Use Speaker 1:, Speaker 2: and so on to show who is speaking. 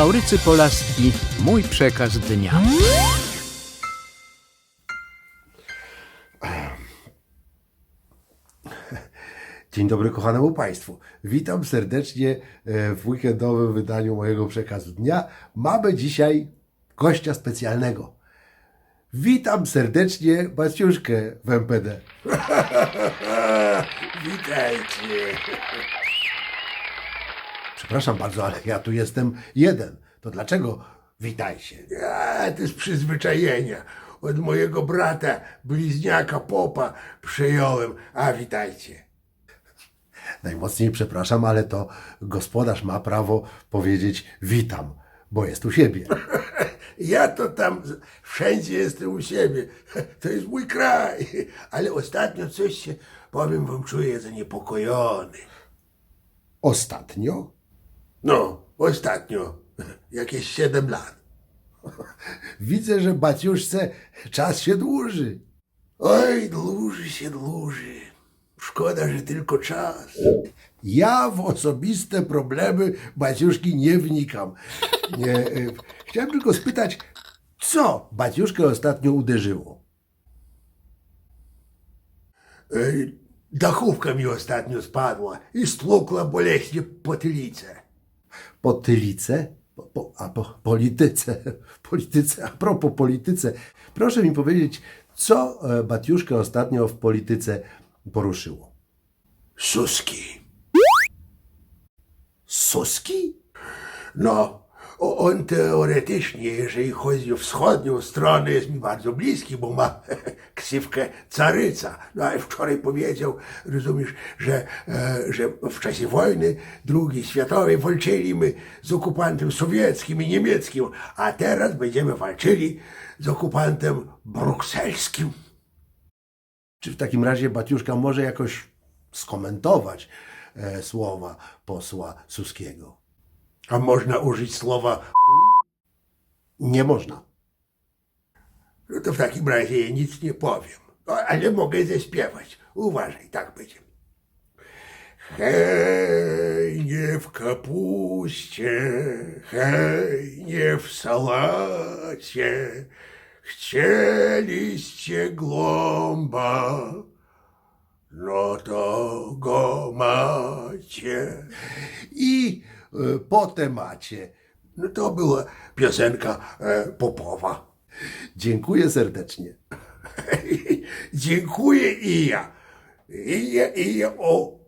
Speaker 1: Maurycy Polaski, mój przekaz dnia.
Speaker 2: Dzień dobry kochanemu Państwu. Witam serdecznie w weekendowym wydaniu mojego przekazu dnia. Mamy dzisiaj gościa specjalnego. Witam serdecznie Baciuszkę w MPD.
Speaker 3: Witajcie.
Speaker 2: Przepraszam bardzo, ale ja tu jestem jeden. To dlaczego witajcie?
Speaker 3: To jest przyzwyczajenia. Od mojego brata, bliźniaka Popa przejąłem. A witajcie.
Speaker 2: Najmocniej przepraszam, ale to gospodarz ma prawo powiedzieć witam, bo jest u siebie.
Speaker 3: Ja to tam wszędzie jestem u siebie. To jest mój kraj. Ale ostatnio coś się, powiem wam, czuję zaniepokojony.
Speaker 2: Ostatnio?
Speaker 3: No, ostatnio. Jakieś 7 lat.
Speaker 2: Widzę, że Baciuszce czas się dłuży.
Speaker 3: Oj, dłuży się dłuży. Szkoda, że tylko czas.
Speaker 2: Ja w osobiste problemy Baciuszki nie wnikam. Chciałem tylko spytać, co Baciuszkę ostatnio uderzyło?
Speaker 3: Dachówka mi ostatnio spadła i stłukła boleśnie potylicę.
Speaker 2: Potylicę? Polityce. Polityce. A propos polityce. Proszę mi powiedzieć, co Baciuszkę ostatnio w polityce poruszyło?
Speaker 3: Suski.
Speaker 2: Suski?
Speaker 3: No, on teoretycznie, jeżeli chodzi o wschodnią stronę, jest mi bardzo bliski, bo ma ksywkę caryca. No ale wczoraj powiedział, rozumiesz, że w czasie wojny II światowej walczyliśmy z okupantem sowieckim i niemieckim, a teraz będziemy walczyli z okupantem brukselskim.
Speaker 2: Czy w takim razie Baciuszka może jakoś skomentować słowa posła Suskiego?
Speaker 3: A można użyć słowa
Speaker 2: Nie można.
Speaker 3: no to w takim razie ja nic nie powiem. No, ale mogę zaśpiewać. Uważaj, tak będzie. Hej, nie w kapuście, hej, nie w salacie, chcieliście głąba, no to go macie.
Speaker 2: I po temacie.
Speaker 3: No to była piosenka popowa.
Speaker 2: Dziękuję serdecznie.
Speaker 3: Dziękuję i ja. I ja, o.